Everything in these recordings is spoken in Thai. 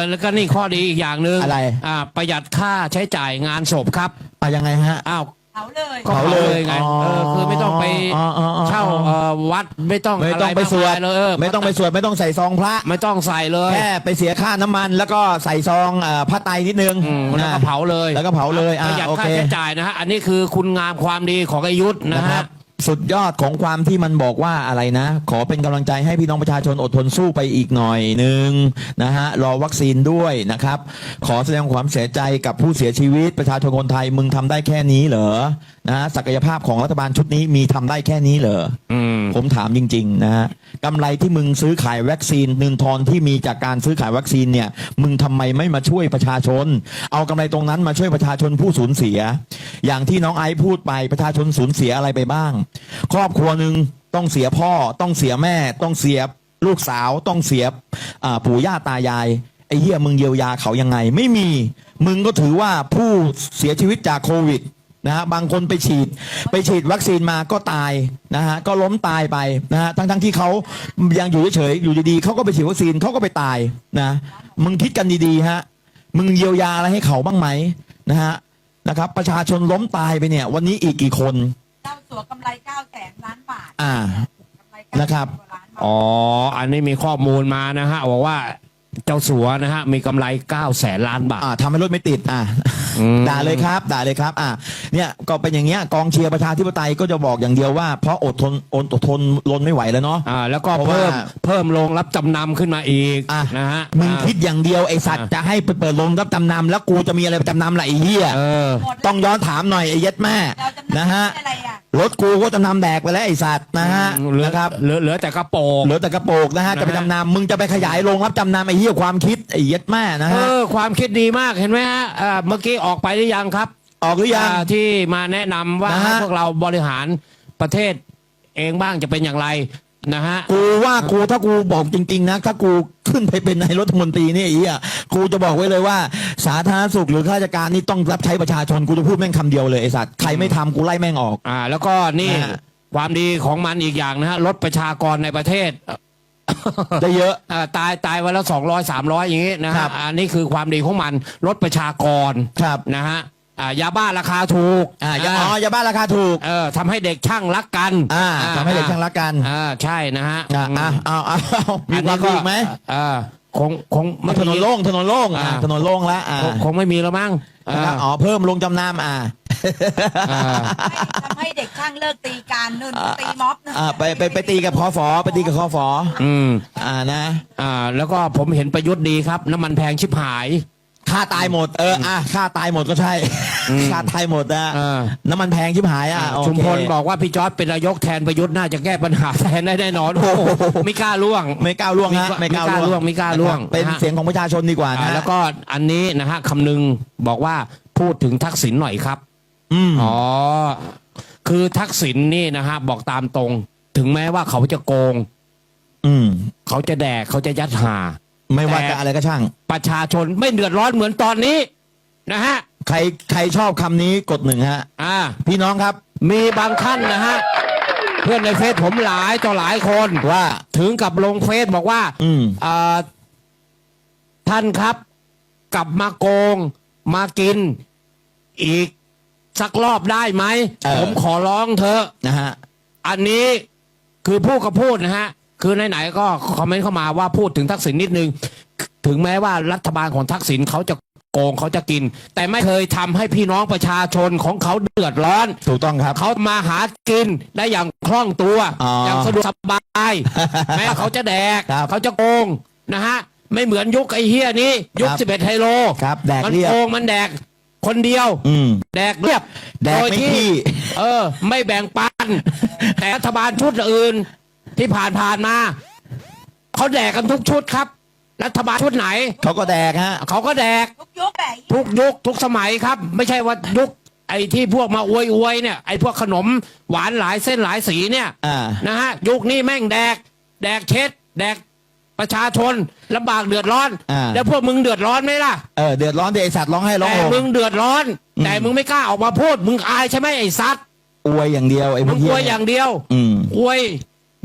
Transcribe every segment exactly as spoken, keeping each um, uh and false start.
แล้วก็นี่ข้อดีอีกอย่างหนึ่งอะไรอ่าประหยัดค่าใช้จ่ายงานศพครับอ่ะยังไงฮะอ้าวเผาเลยก็เผาเลยไงอ๋อเออคือไม่ต้องไปอ๋ออ๋ออ๋อเช่าเอ่อวัดไม่ต้องไม่ต้องไปะรสวดมากมายเลยเออไม่ต้องไปสวดไม่ต้องใส่ซองพระไม่ต้องใส่เลยแค่ไปเสียค่าน้ำมันแล้วก็ใส่ซองเอ่อผ้าไตรนิดนึงอืมแล้วก็นะเผาเลยแล้วก็เผาเลยปอ่ะระหยัดโอค่าเคใช้จ่ายนะฮะอันนี้คือคุณงามความดีของอายุทธนะนะคฮะรับสุดยอดของความที่มันบอกว่าอะไรนะ ขอเป็นกำลังใจให้พี่น้องประชาชนอดทนสู้ไปอีกหน่อยหนึ่งนะฮะรอวัคซีนด้วยนะครับ ขอแสดงความเสียใจกับผู้เสียชีวิตประชาชนคนไทยมึงทำได้แค่นี้เหรอนะฮะศักยภาพของรัฐบาลชุดนี้มีทำได้แค่นี้เหรออืมผมถามจริงๆนะฮะกำไรที่มึงซื้อขายวัคซีนเงินทอนที่มีจากการซื้อขายวัคซีนเนี่ยมึงทำไมไม่มาช่วยประชาชน เอากำไรตรงนั้นมาช่วยประชาชนผู้สูญเสีย อย่างที่น้องไอซ์พูดไปประชาชนสูญเสียอะไรไปบ้าง ครอบครัวหนึ่งต้องเสียพ่อต้องเสียแม่ ต้องเสียลูกสาวต้องเสียอ่าปู่ย่าตายายไอ้เหี้ยมึงเยียวยาเขายังไง ไม่มีมึงก็ถือว่าผู้เสียชีวิตจากโควิดนะฮะบางคนไปฉีดไปฉีดวัคซีนมาก็ตายนะฮะก็ล้มตายไปนะฮะทั้งทั้งที่เขายังอยู่เฉยๆอยู่ดีๆเขาก็ไปฉีดวัคซีนเขาก็ไปตายนะมึงคิดกันดีๆฮะมึงเยียวยาอะไรให้เขาบ้างไหมนะฮะนะครับประชาชนล้มตายไปเนี่ยวันนี้อีกกี่คนเจ้าสัวกำไรเก้าแสนล้านบาทอ่ากำไรเก้าแสนะครับกว่าล้านบาทอ๋ออันนี้มีข้อมูลมานะฮะบอกว่าเจ้าสัวนะฮะมีกำไรเก้าแสนล้านบาทอ่าทำให้รถไม่ติดอ่าอืมด่าเลยครับด่าเลยครับอ่าเนี่ยก็เป็นอย่างเงี้ยกองเชียร์ประชาธิปไตยก็จะบอกอย่างเดียวว่าเพราะอดทนอดอดทนรนไม่ไหวแล้วเนาะอ่าแล้วก็เพราะว่าเพิ่มเพิ่มโรงรับจำนำขึ้นมาอีกอ่ะนะฮะมึงคิดอย่างเดียวไอสัตว์อ่ะจะให้ไปเปิดโรงรับจำนำแล้วกูจะมีอะไรไปจำนำล่ะไอ้เหี้ยเออหมดแล้วต้องย้อนถามหน่อยไอ้เย็ดแม่เราจำนะฮะอะไรอ่ะรถกูก็จำนำแดกไปแล้วไอ้สัตว์นะฮะเหลือนะครับเหลือเหลือแต่กระโปรงเหลือแต่กระโปรงนะฮะนะฮะจะไปจำนำมึงจะไปขยายโรงรับจำนำไอ้เหี้ยความคิดไอ้เย็ดแม่นะเอฮะอความคิดดีมากเห็นไหมฮะอ่าเมื่อกี้ออกไปหรือยังครับออกหรือยังอ่าที่มาแนะนำว่านะฮะให้พวกเราบริหารประเทศเองบ้างจะเป็นอย่างไรนะฮะกูว่ากูถ้ากูบอกจริงๆนะถ้ากูขึ้นไปเป็นนายรัฐมนตรีเนี่ยไอ้เหี้ยกูจะบอกไว้เลยว่า สาธารณสุขหรือข้าราชการนี่ต้องรับใช้ประชาชนกูจะพูดแม่งคำเดียวเลยไอ้สัตว์ใครไม่ทำกูไล่แม่งออกอ่าแล้วก็นี่นะฮะความดีของมันอีกอย่างนะฮะลดประชากรในประเทศได้เยอะอ่าตายตายวันละสองร้อยสามร้อยอย่างนี้นะครัฮะบอันนี้คือความดีของมันลดประชากรครับนะฮะอ่ายาบ้าราคาถูกอ่ายาอ๋อยาบ้าราคาถูกเออทำให้เด็กช่างรักกันอ่าทำให้เด็กช่างรักกันอ่าใช่นะฮะอ่าอ่าเอาเอาเอามีอันควานี้มดีอีกไหมอ่าคงคงมันถนนโล่งถนนโล่งอ่าอ่าถนนโล่งแล้วอ่าคงคงไม่มีแล้วมั้งนะครับอ่าอ๋อเพิ่มลงจำนำอ่าอ่าทำให้เด็กช่างเลิกตีการนู่นตีม็อบนู่นอ่าไปไปไปตีกับคอฟอไปตีกับคอฟออืมอ่านะอ่าแล้วก็ผมเห็นประยุทธ์ดีครับ น้ำมันแพงชิบหายค่าตายหมดเอออ่ะค่าตายหมดก็ใช่อืมค่าตายหมดนะเออน้ำมันแพงชิบหายอ่ะโอเคชุมพลบอกว่าพี่จอร์ดเป็นนายกแทนประยุทธ์น่าจะแก้ปัญหาแทนได้แน่นอนโอ้โหไม่กล้าล่วงไม่ก้าวล่วงฮะไม่กล้าล่วงไม่กล้าล่วงนะครับเป็นนะฮะเสียงของประชาชนดีกว่าอ่านะแล้วก็อันนี้นะฮะคำนึงบอกว่าพูดถึงทักษิณหน่อยครับอืมอ๋อ คือทักษิณนี่นะฮะบอกตามตรง ถึงแม้ว่าเขาจะโกงอืมเขาจะแดกเขาจะยัดหาไม่ว่าแต่จะอะไรก็ช่างประชาชนไม่เดือดร้อนเหมือนตอนนี้นะฮะใครใครชอบคำนี้กดหนึ่งฮะอ่าพี่น้องครับมีบางท่านนะฮะ เพื่อนในเฟซผมหลายต่อหลายคนว่าถึงกับลงเฟซบอกว่าอืมอ่าท่านครับ กลับมาโกง มากิน อีกสักรอบได้ไหมเออผมขอร้องเถอะนะฮะอันนี้คือพูดกับพูดนะฮะ คือไหนๆก็คอมเมนต์เข้ามาว่าพูดถึงทักษิณนิดนึง ถึงแม้ว่ารัฐบาลของทักษิณเขาจะโกงเขาจะกิน แต่ไม่เคยทำให้พี่น้องประชาชนของเขาเดือดร้อนถูกต้องครับเขามาหากินได้อย่างคล่องตัวอ๋อออย่างสะดวกสบาย แม้เขาจะแดกครับเขาจะโกงนะฮะ ไม่เหมือนยุคไอ้เฮียนี้ ยุคครับสิบเอ็ดไฮโลครับแดกมันเรียบโกงมันแดกคนเดียวอืมแดกเรียบแดกโดยไม่ที่ขี้เออ ไม่แบ่งปัน แต่รัฐบาลชุดอื่น ที่ผ่านผ่านๆมาเขาแดกกันทุกชุดครับ รัฐบาลชุดไหนเขาก็แดกฮะเขาก็แดกทุกยุคแหละทุกยุคทุกสมัยครับ ไม่ใช่ว่ายุคไอ้ที่พวกมาอวยอวยๆเนี่ยไอ้พวกขนมหวานหลายเส้นหลายสีเนี่ยอ่านะฮะยุคนี้แม่งแดก แดกเช็ด แดกประชาชนลำบากเดือดร้อนอ่าแล้วพวกมึงเดือดร้อนไหมล่ะเออเดือดร้อนเดไอสัตว์ร้องให้ร้องแต่โหมึงเดือดร้อนอืมแต่มึงไม่กล้าออกมาพูด มึงอายใช่ไหมไอ้ซัดอวยอย่างเดียวไอ้พมึวกงเหี้อวยอย่างเดียวอืมอวย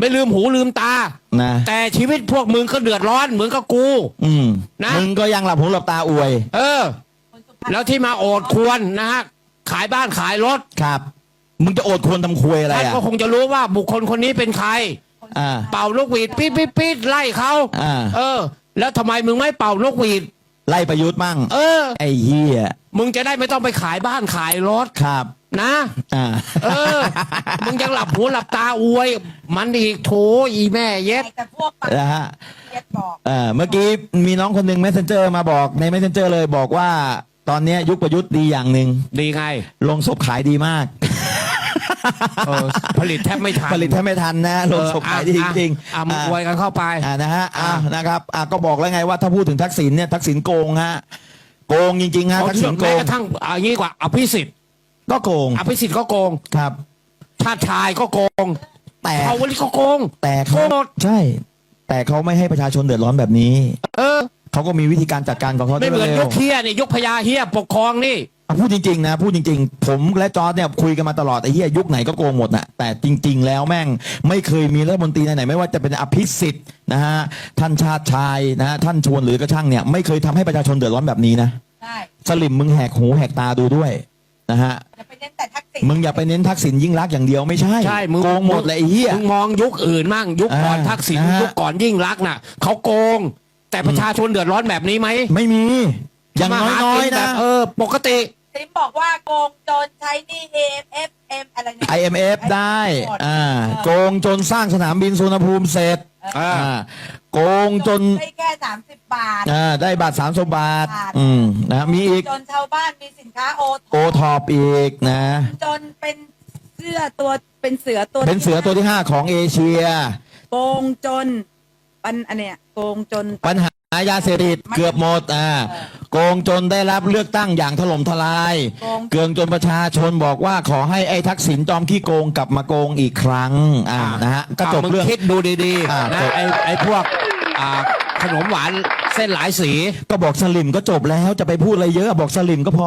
ไม่ลืมหูลืมตานะแต่ชีวิตพวกมึงก็เดือดร้อนเหมือนกับกูอืมนะมึงก็ยังหลับหูหลับตาอวยเออ แล้วที่มาโอดควรนะฮะขายบ้านขายรถครับ มึงจะโอดควรทำควยอะไรท่านอ่ะก็คงจะรู้ว่าบุคคลคนนี้เป็นใครอ่าเป่านกหวีดปี๊ดปี๊ดปี๊ดไล่เขาอ่าเออ แล้วทำไมมึงไม่เป่านกหวีดไล่ประยุทธ์มั่งเออไอ้เหี้ยมึงจะได้ไม่ต้องไปขายบ้านขายรถครับนะอ่าเออ มึงยังหลับหูหลับตาอวย มันอีกโถอีแม่เย็ดแต่พวกปากนะฮะเย็ดบอกเออเมื่อกี้มีน้องคนหนึ่ง messenger มาบอกใน messenger เลยบอกว่า ตอนเนี้ยยุคประยุทธ์ดีอย่างหนึ่งดีไงลงศพขายดีมากเออ ผลิตแทบไม่ทันผลิตแทบไม่ทันนะลงศพขายดีจริงอ่ะมึงอวยกันเข้าไปอ่านะฮะอ่าอ่ะนะครับอ่าก็บอกแล้วไงว่าถ้าพูดถึงทักษิณเนี่ยทักษิณโกงฮะโกงจริงๆฮะทักษิณโกแม้งกระทั่งเอางี้ดีกว่าอภิสิทธิ์ก็โกงอภิสิทธิ์ก็โกงครับชาติชายก็โกงแต่เขาวันนี้ก็โกงแต่เขาโกงหมดใช่ แต่เขาไม่ให้ประชาชนเดือดร้อนแบบนี้เออเขาก็มีวิธีการจัดการของเขาไม่เหมือนร็ยว กเฮียนี่ยกพญาเฮียปกครองนี่อ่ะพูดจริงๆนะพูดจริงๆ ผมและจอร์ดเนี่ยคุยกันมาตลอดไอ้เหี้ยยุคไหนก็โกงหมดน่ะแต่จริง ๆ แล้วแม่งไม่เคยมีรัฐมนตรีไหนๆไม่ว่าจะเป็นอภิสิทธิ์นะฮะท่านชาติชายนะฮะท่านชวนหรือกระช่างเนี่ยไม่เคยทำให้ประชาชนเดือดร้อนแบบนี้นะใช่สลิมมึงแหกหูแหกตาดูด้วยนะฮะอย่าไปเน้นแต่ทักษิณมึงอย่าไปเน้นทักษิณยิ่งรักษณ์อย่างเดียวไม่ใช่ใช่มึงโกงหมดเลยไอ้เหี้ยมึงมองยุคอื่นมั่งยุคก่อนอ่าทักษิณนะฮะยุคก่อนยิ่งรักษณ์น่ะเขาโกง แต่ประชาชนเดือดร้อนแบบนี้ไหมไม่มีอย่างมาหาน้อยกิๆแบนะบเออ ปกติซิมบอกว่าโกงจนใช้หนี่ เอ เอฟ เอ็ม อะไรเนี่ยไอ เอ็ม เอฟ ได้อ่าโกงจนสร้างสนามบินสุวรรณภูมิเสร็จอ่าอ่าโกงจนได้แค่สามสิบบาทอ่าได้บาทสามสิบบาทบาทอืมนะมีอีกจนชาวบ้านมีสินค้าโอโอท็อปอีกนะจนเป็นเสื้อตัวเป็นเสือตัวเป็นเสือตัวที่ห้าของเอเชียโกงจนปันอันเนี้ยโกงจนปัญหายาเสพติดเกือบหมดอ่าโกงจนได้รับเลือกตั้งอย่างถล่มทลายโกงเกืองจนประชาชนบอกว่าขอให้ไอ้ทักษิณจอมขี้โกงกลับมาโกงอีกครั้งอ่านะฮะก็จบมึงเรื่องคิดดูดีอ่าๆนะจบไอ้ไอ้พวกอ่าขนมหวานเส้นหลายสีก็บอกสลิมก็จบแล้วจะไปพูดอะไรเยอะบอกสลิมก็พอ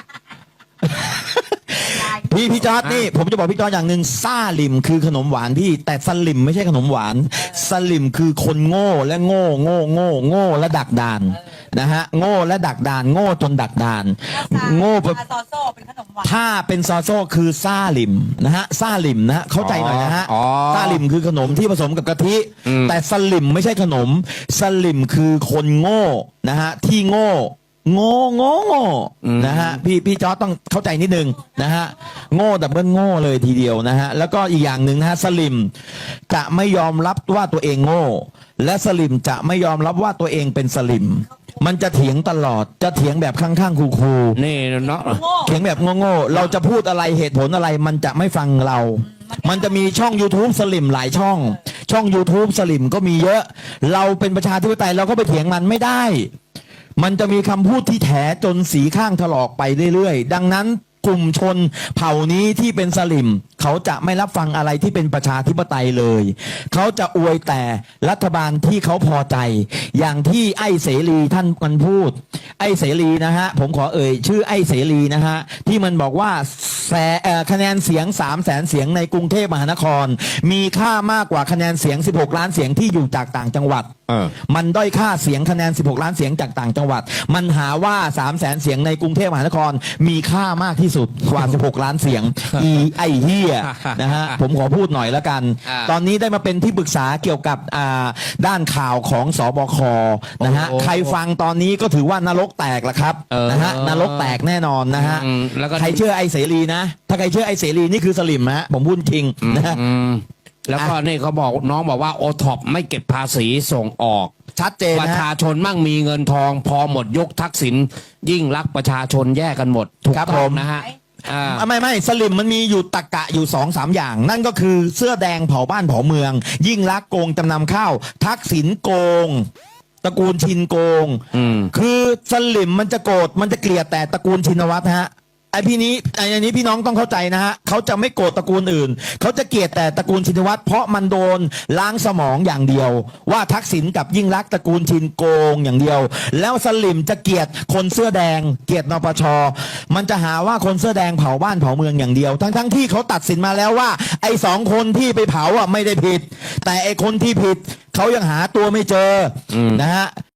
พี่พี่จอร์ดนี่ผมจะบอกพี่จอร์ดอย่างหนึ่งซ่าลิมคือขนมหวานพี่แต่สลิมไม่ใช่ขนมหวานสลิมคือคนโง่และโง่โง่โง่โง่และดักดานนะฮะโง่และดักดานโง่จนดักดานโง่ปลาซอโซ่เป็นขนมหวานถ้าเป็นซอโซ่คือซ่าลิมนะฮะซ่าลิมนะฮะเข้าใจหน่อยนะฮะอ๋อซ่าลิมคือขนมที่ผสมกับกะทิอืมแต่สลิมไม่ใช่ขนมสลิมคือคนโง่นะฮะที่โง่โง่โง่โง่นะฮะพี่พี่จอร์จต้องเข้าใจนิดนึงนะฮะโง่แต่เบิ้ลโง่เลยทีเดียวนะฮะแล้วก็อีกอย่างหนึ่งนะฮะสลิมจะไม่ยอมรับว่าตัวเองโง่ และสลิมจะไม่ยอมรับว่าตัวเองเป็นสลิม มันจะเถียงตลอดจะเถียงแบบข้างๆคูลๆนี่เนาะโง่เถียงแบบโง่ๆ เราจะพูดอะไรเหตุผลอะไรมันจะไม่ฟังเรา มันจะมีช่อง YouTube สลิมหลายช่อง ช่อง YouTube สลิมก็มีเยอะ เราเป็นประชาธิปไตยเราก็ไปเถียงมันไม่ได้ มันจะมีคำพูดที่แถจนสีข้างถลอกไปเรื่อยๆ ดังนั้นกลุ่มชนเผ่านี้ที่เป็นสลิม เขาจะไม่รับฟังอะไรที่เป็นประชาธิปไตยเลย เขาจะอวยแต่รัฐบาลที่เขาพอใจ อย่างที่ไอ้เสรีท่านมันพูด ไอ้เสรีนะฮะผมขอเอ่ยชื่อไอ้เสรีนะฮะที่มันบอกว่าแสเอ่อคะแนนเสียงสามแสนเสียงในกรุงเทพมหานคร มีค่ามากกว่าคะแนนเสียงสิบหกล้านเสียงที่อยู่จากต่างจังหวัดเออมันด้อยค่าเสียงคะแนนสิบหกล้านเสียงจากต่างจังหวัด มันหาว่าสามแสนเสียงในกรุงเทพมหานคร มีค่ามากที่สุดกว่าสิบหกล้านเสียง อีไอเฮียนะฮะผมขอพูดหน่อยแล้วกันอ่าตอนนี้ได้มาเป็นที่ปรึกษาเกี่ยวกับอ่าด้านข่าวของสบคนะฮะโอ้โหใครฟังตอนนี้ก็ถือว่านรกแตกละครับเออนะฮะนรกแตกแน่นอนนะฮะอืมแล้วก็ใครเชื่อไอเสรีนะ ถ้าใครเชื่อไอเสรีนี่คือสลิมฮะผมพูดจริงนะฮะอืมแล้วก็นี่เขาบอกน้องบอกว่าโอท็อปไม่เก็บภาษีส่งออกชัดเจนประนะชาฮะชนมั่งมีเงินทอง พอหมดยกทักษิณยิ่งรักประชาชนแยกกันหมดถูกครับต้ผองมนะฮะอ่าอ่ะไม่ไม่สลิมมันมีอยู่ตะกะอยู่สองสามอย่าง นั่นก็คือเสื้อแดงเผาบ้านเผาเมือง ยิ่งรักษณ์โกงจำนำข้าวทักษิณโกง ตระกูลชินโกงอืมคือสลิมมันจะโกรธมันจะเกลียดแต่ตระกูลชินวัตรฮะไอพี่นี้ไออันนี้พี่น้องต้องเข้าใจนะฮะเขาจะไม่โกรธตระกูลอื่นเขาจะเกลียดแต่ตระกูลชินวัตรเพราะมันโดนล้างสมองอย่างเดียว ว่าทักษิณกับยิ่งรักษณ์ตระกูลชินโกงอย่างเดียว แล้วสลิมจะเกลียดคนเสื้อแดง เกลียดนปชมันจะหาว่าคนเสื้อแดงเผาบ้านเผาเมืองอย่างเดียว ทั้งทั้งที่เขาตัดสินมาแล้วว่าไอสองคนที่ไปเผาอ่ะไม่ได้ผิด แต่ไอคนที่ผิดเขายังหาตัวไม่เจออนะฮะ